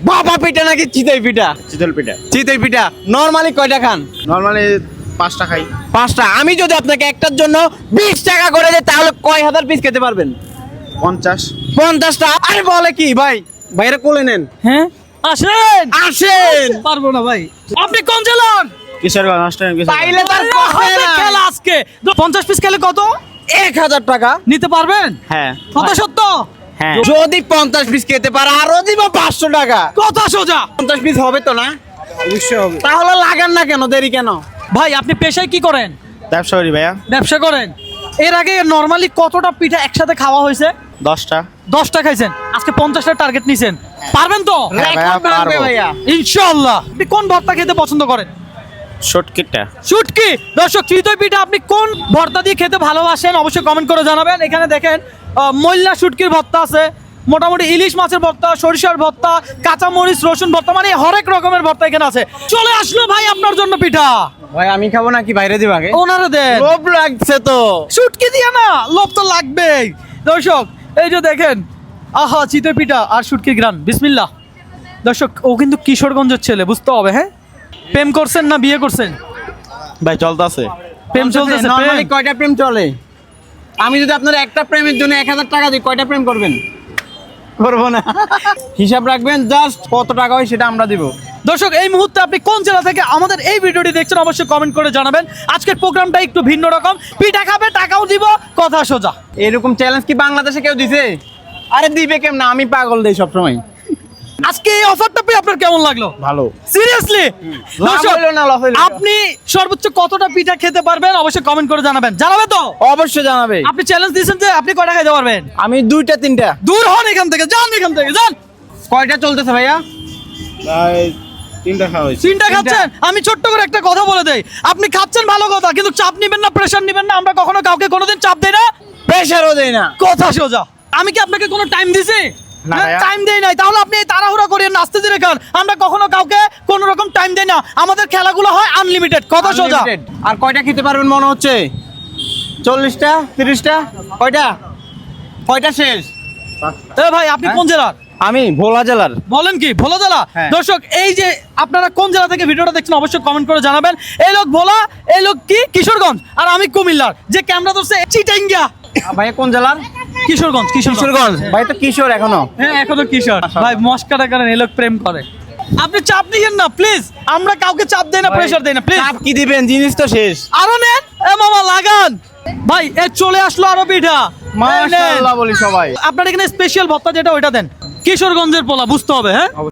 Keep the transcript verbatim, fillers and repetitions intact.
বাবা পিঠা নাকি চিতই পিঠা? চিতল পিঠা। চিতই পিঠা নরমালি কয়টা খান? নরমালি পাঁচটা খাই। পাঁচটা। আমি যদি আপনাকে একটার জন্য বিশ টাকা করে দেই তাহলে কয় হাজার পিস খেতে পারবেন? পঞ্চাশ। পঞ্চাশটা? আরে বলে কি ভাই, ভাইরা কোলে নেন। হ্যাঁ আসেন আসেন। পারবো না ভাই। আপনি কোন জেলার? কিশোরগঞ্জ অষ্টম কিশোরগঞ্জ। পাইলে তার আল্লাহ কথা হাফেজ না। খেলা আজকে পঞ্চাশ পিস খেলে কত এক হাজার টাকা নিতে পারবেন? হ্যাঁ কথা সত্য? হ্যাঁ। যদি পঞ্চাশ পিস খেতে পারে আরো দিব পাঁচশো টাকা। কথা সোজা। পঞ্চাশ পিস হবে তো না? অবশ্যই হবে। তাহলে লাগান না কেন, দেরি কেন? ভাই আপনি পেশায় কি করেন? ব্যবসা করি ভাইয়া। ব্যবসা করেন। এর আগে নরমালি কতটা পিঠা একসাথে খাওয়া হয়েছে? দশটা। দশটা খাইছেন, আজকে পঞ্চাশটা টার্গেট নিছেন, পারবেন তো? হ্যাঁ ভাইয়া, রেকর্ড ভাঙবে পারবো। ভাইয়া। ইনশাআল্লাহ। আপনি কোন ভর্তা খেতে পছন্দ করেন? শর্টকিটটা। শুটকি। দর্শক চিতই পিঠা আপনি কোন ভর্তা দিয়ে খেতে ভালোবাসেন অবশ্যই কমেন্ট করে জানাবেন। এখানে দেখেন আহ, ময়লা শুটকির ভর্তা আছে, মোটামুটি ইলিশ মাছের ভর্তা, সরিষার ভর্তা, কাঁচা মরিচ রসুন ভর্তা, মানে হরেক রকমের ভর্তা এখানে আছে। চলে আসলো ভাই আপনার জন্য পিঠা। ভাই আমি খাবো নাকি বাইরে দিব আগে? ওনারা দেন। লোভ লাগছে তো। শুটকি দিয়ে না, লোভ তো লাগবেই। দর্শক এই যে দেখেন, আহা চিতই পিঠা আর শুটকির গ্রান, বিসমিল্লাহ। দর্শক ও কিন্তু কিশোরগঞ্জের ছেলে, বুঝতে হবে। হ্যাঁ, প্রেম করছেন না বিয়ে করছেন? ভাই চলতেছে। প্রেম চলতেছে। নরমালি প্রেম। কয়টা প্রেম চলে? আমি যদি আপনার একটা প্রেমের জন্য এক হাজার টাকা দিই কয়টা প্রেম করবেন? করবো না। হিসাব রাখবেন, জাস্ট কত টাকা হয় সেটা আমরা দিব। দর্শক এই মুহূর্তে আপনি কোন জেলা থেকে আমাদের এই ভিডিওটি দেখছেন অবশ্যই কমেন্ট করে জানাবেন। আজকের প্রোগ্রামটা একটু ভিন্ন রকম, পিঠা খাবে টাকাও দিব, কথা সোজা। এরকম চ্যালেঞ্জ কি বাংলাদেশে কেউ দিছে? আরে দিবে কেমন, আমি পাগল দেই সবসময়। আজকে এই অফারটা পেয়ে আপনার কেমন লাগলো? ভালো। সিরিয়াসলি লাভ হইলো না, লাভ হইলো না। আপনি সর্বোচ্চ কতটা পিঠা খেতে পারবেন অবশ্যই কমেন্ট করে জানাবেন। জানাবে তো? অবশ্যই জানাবে। আপনি চ্যালেঞ্জ দিয়েছেন যে আপনি কয়টা খাইতে পারবেন? আমি দুইটা তিনটা। দূর হন এখান থেকে, যান এখান থেকে, যান। কয়টা চলতেছে ভাইয়া? ভাই তিনটা খাওয়া হয়েছে। তিনটা খাচ্ছেন? আমি ছোট্ট করে একটা কথা বলে দেই, আপনি খাচ্ছেন ভালো কথা, কিন্তু চাপ নিবেন না, প্রেশার নিবেন না। আমরা কখনো কাউকে কোনোদিন চাপ দেই না, প্রেশারও দেই না। কথা সোজা। আমি কি আপনাকে কোনো টাইম দিছি? না ভাইয়া। টাইম দেই নাই, তাহলে আপনি এই তাড়াহুড়া করে নাচতে ধীরে খান। আমরা কখনো কাউকে কোনো রকম টাইম দেই না, আমাদের খেলাগুলো হয় আনলিমিটেড, কথা সোজা। Unlimited। আর কয়টা খেতে পারবেন মনে হচ্ছে? চল্লিশটা, তিরিশটা? কয়টা কয়টা শেষ? এ ভাই আপনি কোন জেলার? আমি ভোলা জেলার। বলেন কি ভোলা জেলা? হ্যাঁ। দর্শক এই যে আপনারা কোন জেলা থেকে ভিডিওটা দেখছেন অবশ্যই কমেন্ট করে জানাবেন। এই লোক ভোলা, এই লোক কি কিশোরগঞ্জ, আর আমি কুমিল্লার। যে ক্যামেরা ধরছে চিটাঙ্গা। ভাইয়া কোন জেলার? কিশোরগঞ্জ। কিশোরগঞ্জ। ভাই তো কিশোর এখনো। হ্যাঁ এখনো কিশোর। ভাই মস্কাটা করেন, এই লোক প্রেম করে। আপনি চাপ নিয়েন না প্লিজ, আমরা কাউকে চাপ দেই না, প্রেশার দেই না প্লিজ। চাপ কি দিবেন, জিনিস তো শেষ। আরো নেন, এ মামা লাগান। ভাই এ চলে আসলো আরো পিঠা। মাশাআল্লাহ বলি সবাই। আপনার এখানে স্পেশাল ভত্তা যেটা ওইটা দেন। কিশোরগঞ্জের পোলা, বুঝতে হবে। হ্যাঁ